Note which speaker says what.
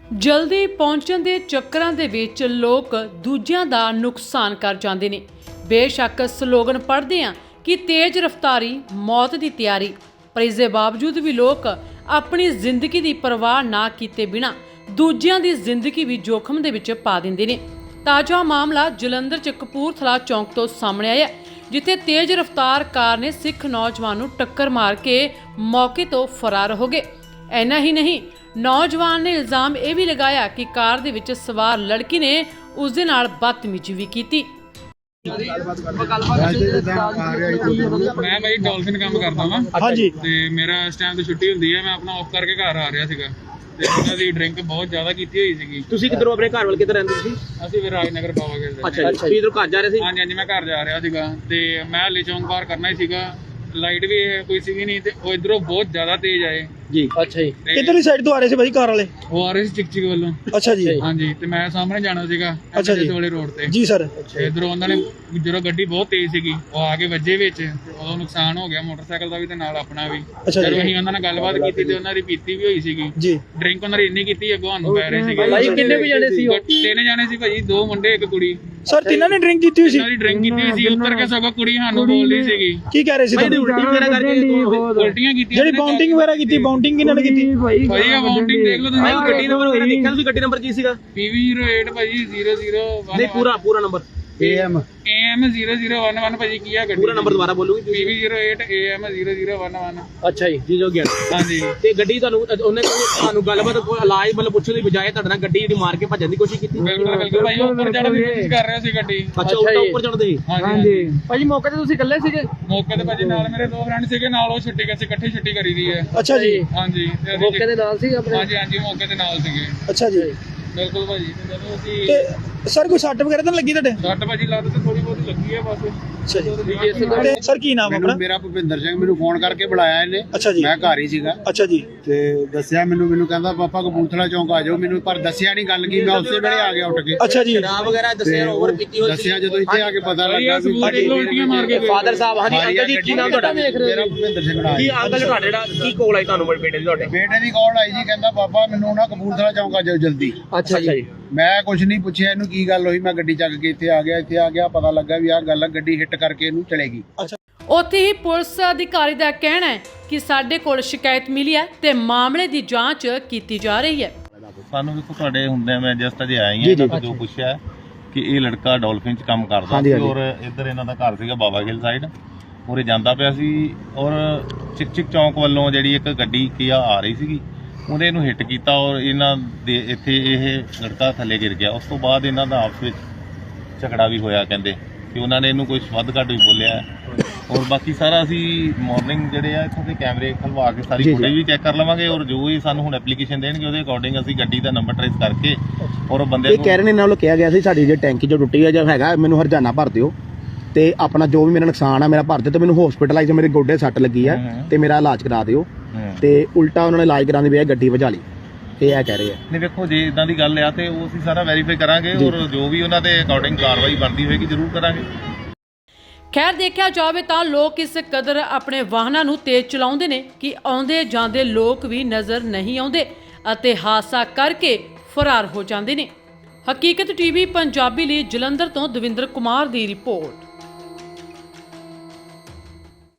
Speaker 1: ਜਲਦੀ ਪਹੁੰਚਣ ਦੇ ਚੱਕਰਾਂ ਦੇ ਵਿੱਚ ਲੋਕ ਦੂਜਿਆਂ ਦਾ ਨੁਕਸਾਨ ਕਰ ਜਾਂਦੇ ਨੇ। ਬੇਸ਼ੱਕ ਸਲੋਗਨ ਪੜ੍ਹਦੇ ਆ ਕਿ ਤੇਜ਼ ਰਫ਼ਤਾਰੀ ਮੌਤ ਦੀ ਤਿਆਰੀ, ਪਰ ਇਸ ਦੇ ਬਾਵਜੂਦ ਵੀ ਲੋਕ ਆਪਣੀ ਜ਼ਿੰਦਗੀ ਦੀ ਪਰਵਾਹ ਨਾ ਕੀਤੇ ਬਿਨਾਂ ਦੂਜਿਆਂ ਦੀ ਜ਼ਿੰਦਗੀ ਵੀ ਜੋਖਮ ਦੇ ਵਿੱਚ ਪਾ ਦਿੰਦੇ ਨੇ। ਤਾਜ਼ਾ ਮਾਮਲਾ ਜਲੰਧਰ 'ਚ ਕਪੂਰਥਲਾ ਚੌਂਕ ਤੋਂ ਸਾਹਮਣੇ ਆਇਆ, ਜਿੱਥੇ ਤੇਜ਼ ਰਫ਼ਤਾਰ ਕਾਰ ਨੇ ਸਿੱਖ ਨੌਜਵਾਨ ਨੂੰ ਟੱਕਰ ਮਾਰ ਕੇ ਮੌਕੇ ਤੋਂ ਫਰਾਰ ਹੋ ਗਏ। ਇੰਨਾ ਹੀ ਨਹੀਂ, ਨੌਜਵਾਨ ਨੇ ਇਲਜ਼ਾਮ ਇਹ ਵੀ ਲਗਾਇਆ ਕਿ ਕਾਰ ਦੇ ਵਿੱਚ ਸਵਾਰ ਲੜਕੀ ਨੇ ਉਸ ਦੇ ਨਾਲ ਬਦਤਮੀਜ਼ੀ ਵੀ ਕੀਤੀ।
Speaker 2: ਮੈਂ ਭਾਈ ਡੋਲਫਿਨ ਕੰਮ ਕਰਦਾ ਵਾਂ। ਹਾਂਜੀ। ਤੇ ਮੇਰਾ ਇਸ ਟਾਈਮ ਤੇ ਛੁੱਟੀ ਹੁੰਦੀ ਹੈ, ਮੈਂ ਆਪਣਾ ਆਫ ਕਰਕੇ ਘਰ ਆ ਰਿਹਾ ਸੀਗਾ ਤੇ ਉਹਨਾਂ ਦੀ ਡਰਿੰਕ ਬਹੁਤ ਜ਼ਿਆਦਾ ਕੀਤੀ ਹੋਈ ਸੀਗੀ।
Speaker 3: ਤੁਸੀਂ ਕਿੱਧਰੋਂ ਆਪਣੇ ਘਰ ਵੱਲ ਕਿੱਧਰ ਰਹਿੰਦੇ ਸੀ?
Speaker 2: ਅਸੀਂ ਵੀ ਰਾਜਨਗਰ ਬਾਵਾ ਖੇਡਦੇ।
Speaker 3: ਅੱਛਾ, ਤੁਸੀਂ ਇਧਰੋਂ ਘਰ ਜਾ ਰਹੇ ਸੀ?
Speaker 2: ਹਾਂਜੀ, ਮੈਂ ਘਰ ਜਾ ਰਿਹਾ ਸੀਗਾ ਤੇ ਮੈਂ ਹਲੇ ਚੌਂਕ ਪਾਰ ਕਰਨਾ ਹੀ ਸੀਗਾ। ਲਾਈਟ ਵੀ ਕੋਈ ਸੀਗੀ ਨਹੀਂ ਤੇ ਉਹ ਇਧਰੋਂ ਬਹੁਤ ਜ਼ਿਆਦਾ ਤੇਜ਼ ਆਏ
Speaker 3: ਜੀ। ਅੱਛਾ ਜੀ,
Speaker 4: ਕਿੱਧਰਲੀ ਸਾਈਡ ਤੋਂ ਆ ਰਹੇ ਸੀ ਭਾਈ ਕਾਰ ਵਾਲੇ?
Speaker 2: ਉਹ ਆ ਰਹੇ ਸੀ ਚਿਕ ਵੱਲੋਂ।
Speaker 4: ਅੱਛਾ ਜੀ।
Speaker 2: ਹਾਂਜੀ, ਤੇ ਮੈਂ ਸਾਹਮਣੇ ਜਾਣਾ ਸੀਗਾ ਐਮਐਸ ਵਾਲੇ ਰੋਡ ਤੇ।
Speaker 4: ਜੀ ਸਰ।
Speaker 2: ਇਧਰੋਂ ਉਹਨਾਂ ਨੇ ਜਦੋਂ ਗੱਡੀ ਬਹੁਤ ਤੇਜ਼ ਸੀਗੀ ਉਹ ਆ ਕੇ ਵੱਜੇ ਵਿੱਚ, ਉਦੋਂ ਨੁਕਸਾਨ ਹੋ ਗਿਆ ਮੋਟਰਸਾਈਕਲ ਦਾ ਵੀ ਤੇ ਨਾਲ ਆਪਣਾ ਵੀ। ਜਦੋਂ ਅਸੀਂ ਉਹਨਾਂ ਨਾਲ ਗੱਲਬਾਤ ਕੀਤੀ ਤੇ ਉਹਨਾਂ ਦੀ ਪੀਤੀ ਵੀ ਹੋਈ ਸੀਗੀ ਜੀ। ਡਰਿੰਕ ਉਹਨਾਂ ਦੀ ਇੰਨੀ ਕੀਤੀ ਅੱਗੋਂ ਸਾਨੂੰ ਪੈ ਰਹੇ ਸੀਗੇ।
Speaker 3: ਭਾਈ ਕਿੰਨੇ ਵੀ ਜਾਣੇ ਸੀ?
Speaker 2: 3 ਜਾਣੇ ਸੀ ਭਾਜੀ, 2 ਮੁੰਡੇ 1 ਕੁੜੀ।
Speaker 4: ਸਰ ਤਿੰਨਾਂ ਨੇ ਡਰਿੰਕ ਕੀਤੀ ਹੋਈ ਸੀ?
Speaker 2: ਉਹਨਾਂ ਦੀ ਡਰਿੰਕ ਕੀਤੀ ਹੋਈ ਸੀ। ਉੱਤਰ ਕੇ ਸਗੋਂ ਕੁੜੀ ਸਾਨੂੰ ਬੋਲਦੀ ਸੀਗੀ।
Speaker 4: ਕੀ ਕਹਿ ਰਹੇ ਸੀ?
Speaker 3: ਉਲਟੀ ਵਗੈਰਾ ਕਰਕੇ
Speaker 2: ਉਲਟੀਆਂ ਕੀਤੀਆਂ।
Speaker 4: ਜਿਹੜੀ ਬਾਉਂਡਿੰਗ ਵਗੈਰਾ ਕੀਤੀ, ਬਾਉਂਡਿੰਗ ਕਿਹਨਾਂ ਨੇ ਕੀਤੀ?
Speaker 2: ਭਾਈ ਆ ਬਾਉਂਡਿੰਗ ਦੇਖ ਲਓ ਤੁਸੀਂ।
Speaker 3: ਗੱਡੀ ਨੰਬਰ ਵਗੈਰਾ ਦੇਖਿਆ ਤੁਸੀਂ? ਗੱਡੀ ਨੰਬਰ ਕੀ ਸੀਗਾ?
Speaker 2: PV08 ਭਾਜੀ 0011।
Speaker 3: ਨਹੀਂ, ਪੂਰਾ ਨੰਬਰ
Speaker 2: AM 0011 ਭਾਜੀ। ਕੀ ਆ ਗੱਡੀ
Speaker 3: ਪੂਰਾ ਨੰਬਰ ਦੁਬਾਰਾ ਬੋਲੋਗੇ?
Speaker 2: PV08 AM 0011।
Speaker 3: ਅੱਛਾ ਜੀ, ਜੀ ਜੋ ਗਿਆ।
Speaker 2: ਹਾਂਜੀ।
Speaker 3: ਤੇ ਗੱਡੀ ਉਹਨੇ ਤੁਹਾਨੂੰ ਗੱਲਬਾਤ ਇਲਾਜ ਮਤਲਬ ਪੁੱਛਣ ਦੀ ਬਜਾਏ ਤੁਹਾਡੇ ਨਾਲ ਗੱਡੀ ਜਿਹੜੀ ਮਾਰ ਕੇ ਭੱਜਣ ਦੀ ਕੋਸ਼ਿਸ਼ ਕੀਤੀ?
Speaker 2: ਬਿਲਕੁਲ ਭਾਈ, ਉੱਪਰ ਚੜ੍ਹਨ ਦੀ ਕੋਸ਼ਿਸ਼ ਕਰ ਰਿਹਾ ਸੀ ਗੱਡੀ।
Speaker 3: ਅੱਛਾ, ਉੱਪਰ ਚੜ੍ਹਦੇ ਸੀ?
Speaker 2: ਹਾਂਜੀ
Speaker 3: ਭਾਜੀ। ਮੌਕੇ ਤੇ ਤੁਸੀਂ ਇਕੱਲੇ ਸੀਗੇ?
Speaker 2: ਮੌਕੇ ਤੇ ਭਾਜੀ ਨਾਲ ਮੇਰੇ 2 ਫਰੈਂਡ ਸੀਗੇ, ਨਾਲ ਉਹ ਛੁੱਟੀ ਕਰਕੇ ਇਕੱਠੀ ਛੁੱਟੀ ਕਰੀ ਦੀ ਹੈ।
Speaker 4: ਅੱਛਾ ਜੀ।
Speaker 2: ਹਾਂਜੀ,
Speaker 3: ਮੌਕੇ ਦੇ ਨਾਲ ਸੀ ਆਪਣੇ?
Speaker 2: ਹਾਂਜੀ, ਮੌਕੇ ਤੇ ਨਾਲ ਸੀਗੇ।
Speaker 4: ਅੱਛਾ ਜੀ,
Speaker 2: ਬਿਲਕੁਲ ਭਾਜੀ। ਜਦੋਂ ਅਸੀਂ
Speaker 4: ਤੇ ਸਰ ਕੋਈ ਸੱਟ ਵਗੈਰਾ ਤਾਂ ਲੱਗੀ ਤੁਹਾਡੇ?
Speaker 2: ਸੱਟ ਭਾਜੀ ਲੱਤ ਤੇ ਥੋੜੀ ਬਹੁਤ ਲੱਗੀ ਹੈ ਬਸ।
Speaker 4: ਅੱਛਾ ਜੀ। ਤੇ ਸਰ ਕੀ ਨਾਮ ਆਪਣਾ?
Speaker 5: ਮੇਰਾ ਭੁਪਿੰਦਰ ਸਿੰਘ। ਮੈਨੂੰ ਫੋਨ ਕਰਕੇ ਬੁਲਾਇਆ ਇਹਨੇ।
Speaker 4: ਅੱਛਾ ਜੀ।
Speaker 5: ਮੈਂ ਘਰ ਹੀ ਸੀਗਾ।
Speaker 4: ਅੱਛਾ ਜੀ।
Speaker 5: ਤੇ ਦੱਸਿਆ ਮੈਨੂੰ ਕਹਿੰਦਾ ਪਾਪਾ ਕਪੂਰਥਲਾ ਚੌਂਕ ਆ ਜਾਓ। ਮੈਨੂੰ ਪਰ ਦੱਸਿਆ ਨਹੀਂ ਗੱਲ ਕੀ, ਮੈਂ ਉਸੇ ਵੇਲੇ ਆ ਗਿਆ ਉੱਠ ਕੇ।
Speaker 4: ਅੱਛਾ ਜੀ।
Speaker 3: ਸ਼ਰਾਬ ਵਗੈਰਾ ਦੱਸਿਆ ਓਵਰ ਪੀਤੀ ਹੋਈ ਸੀ?
Speaker 5: ਦੱਸਿਆ ਜਦੋਂ ਇੱਥੇ ਆ ਕੇ ਪਤਾ ਲੱਗਾ ਵੀ
Speaker 2: ਉਲਟੀਆਂ ਮਾਰ ਕੇ
Speaker 3: ਫਾਦਰ ਸਾਹਿਬ। ਹਾਂਜੀ ਅੰਕਲ ਜੀ, ਕੀ ਨਾਮ ਤੁਹਾਡਾ?
Speaker 5: ਮੇਰਾ ਭੁਪਿੰਦਰ ਸਿੰਘ ਨਾਮ।
Speaker 3: ਕੀ ਅੰਕਲ ਤੁਹਾਡੇ ਜਿਹੜਾ ਕੀ ਕੋਲ ਆਈ ਤੁਹਾਨੂੰ ਬੇਟੇ ਦੀ ਤੁਹਾਡੇ?
Speaker 5: ਬੇਟੇ ਦੀ ਕਾਲ ਆਈ ਜੀ, ਕਹਿੰਦਾ ਪਾਪਾ ਮੈਨੂੰ ਨਾ ਕਪੂਰਥਲਾ ਚੌਂਕ ਆ ਜਾਓ ਜਲਦੀ।
Speaker 3: ਅੱਛਾ ਜੀ।
Speaker 5: ਮੈਂ ਕੁਝ ਨਹੀਂ ਪੁੱਛਿਆ ਇਹਨੂੰ ਕੀ ਗੱਲ ਹੋਈ। ਮੈਂ ਗੱਡੀ ਚੱਕ ਕੇ ਇੱਥੇ ਆ ਗਿਆ ਪਤਾ ਲੱਗਾ ਵੀ ਆਹ ਗੱਲ ਆ, ਗੱਡੀ ਹਿੱਟ ਕਰਕੇ ਇਹਨੂੰ ਚਲੇਗੀ।
Speaker 1: ਉੱਥੇ ਹੀ ਪੁਲਿਸ ਅਧਿਕਾਰੀ ਦਾ ਕਹਿਣਾ ਹੈ ਕਿ ਸਾਡੇ ਕੋਲ ਸ਼ਿਕਾਇਤ ਮਿਲੀ ਹੈ ਤੇ ਮਾਮਲੇ ਦੀ ਜਾਂਚ ਕੀਤੀ ਜਾ ਰਹੀ ਹੈ।
Speaker 6: ਸਾਨੂੰ ਦੇਖੋ ਤੁਹਾਡੇ ਹੁੰਦੇ ਮੈਂ ਜਸਟ ਅਜੇ ਆਇਆ ਹੀ ਹਾਂ। ਜੋ ਪੁੱਛਿਆ ਕਿ ਇਹ ਲੜਕਾ ਡੋਲਫਿਨ 'ਚ ਕੰਮ ਕਰਦਾ ਸੀ ਔਰ ਇੱਧਰ ਇਹਨਾਂ ਦਾ ਘਰ ਸੀਗਾ ਬਾਵਾ ਖੇਲ ਸਾਈਡ। ਉਰੇ ਜਾਂਦਾ ਪਿਆ ਸੀ ਔਰ ਚਿਕ ਚੌਂਕ ਵੱਲੋਂ ਜਿਹੜੀ ਇੱਕ ਗੱਡੀ ਕੀ ਆ ਰਹੀ ਸੀਗੀ, ਉਹਨੇ ਇਹਨੂੰ ਹਿੱਟ ਕੀਤਾ ਔਰ ਇਹਨਾਂ ਦੇ ਇੱਥੇ ਇਹ ਲੜਕਾ ਥੱਲੇ ਗਿਰ ਗਿਆ। ਉਸ ਤੋਂ ਬਾਅਦ ਇਹਨਾਂ ਦਾ ਆਪਸ ਵਿੱਚ ਝਗੜਾ ਵੀ ਹੋਇਆ, ਕਹਿੰਦੇ ਕਿ ਉਹਨਾਂ ਨੇ ਇਹਨੂੰ ਕੋਈ ਵੱਧ ਘੱਟ ਵੀ ਬੋਲਿਆ। ਔਰ ਬਾਕੀ ਸਾਰਾ ਅਸੀਂ ਮਾਰਨਿੰਗ ਜਿਹੜੇ ਆ ਇੱਥੋਂ ਦੇ ਕੈਮਰੇ ਖਲਵਾ ਕੇ ਸਾਰੀ ਫੁਟੇਜ ਵੀ ਚੈੱਕ ਕਰ ਲਵਾਂਗੇ ਔਰ ਜੋ ਵੀ ਸਾਨੂੰ ਹੁਣ ਐਪਲੀਕੇਸ਼ਨ ਦੇਣਗੇ ਉਹਦੇ ਅਕੋਰਡਿੰਗ ਅਸੀਂ ਗੱਡੀ ਦਾ ਨੰਬਰ ਟ੍ਰੇਸ ਕਰਕੇ ਔਰ ਬੰਦੇ ਨੂੰ।
Speaker 7: ਕਹਿ ਰਹੇ ਨੇ ਨਾਲ ਕਿਹਾ ਗਿਆ ਸੀ ਸਾਡੀ ਜੇ ਟੈਂਕੀ ਜੋ ਟੁੱਟੀ ਹੈ ਜਾਂ ਹੈਗਾ ਮੈਨੂੰ ਹਰਜਾਨਾ ਭਰ ਦਿਓ ਤੇ ਆਪਣਾ ਜੋ ਵੀ ਮੇਰਾ ਨੁਕਸਾਨ ਆ ਮੇਰਾ ਭਰ ਦਿਓ ਤੇ ਮੈਨੂੰ ਹਸਪੀਟਲਾਈਜ਼ ਮੇਰੇ ਗੋਡੇ ਸੱਟ ਲੱਗੀ ਆ ਤੇ ਮੇਰਾ ਇਲਾਜ ਕਰਾ ਦਿਓ। ਤੇ ਉਲਟਾ ਉਹਨਾਂ ਨੇ ਇਲਾਜ ਕਰਾਉਣ ਦੀ ਬਜਾਏ ਗੱਡੀ ਵਜਾ ਲਈ, ਇਹ ਕਹਿ ਰਹੇ ਆ।
Speaker 6: ਨਹੀਂ ਵੇਖੋ, ਜੇ ਇਦਾਂ ਦੀ ਗੱਲ ਆ ਤੇ ਉਹ ਅਸੀਂ ਸਾਰਾ ਵੈਰੀਫਾਈ ਕਰਾਂਗੇ ਔਰ ਜੋ ਵੀ ਉਹਨਾਂ ਦੇ ਅਕੋਰਡਿੰਗ ਕਾਰਵਾਈ ਬਣਦੀ ਹੋਏਗੀ ਜ਼ਰੂਰ ਕਰਾਂਗੇ।
Speaker 1: ਖੈਰ ਦੇਖਿਆ ਜਾਵੇ ਤਾਂ ਲੋਕ ਇਸ ਕਦਰ ਆਪਣੇ ਵਾਹਨਾਂ ਨੂੰ ਤੇਜ਼ ਚਲਾਉਂਦੇ ਨੇ ਕਿ ਆਉਂਦੇ ਜਾਂਦੇ ਲੋਕ ਵੀ ਨਜ਼ਰ ਨਹੀਂ ਆਉਂਦੇ ਅਤੇ ਹਾਦਸਾ ਕਰਕੇ ਫਰਾਰ ਹੋ ਜਾਂਦੇ ਨੇ। ਹਕੀਕਤ ਟੀਵੀ ਪੰਜਾਬੀ ਲਈ ਜਲੰਧਰ ਤੋਂ ਦਵਿੰਦਰ ਕੁਮਾਰ ਦੀ ਰਿਪੋਰਟ।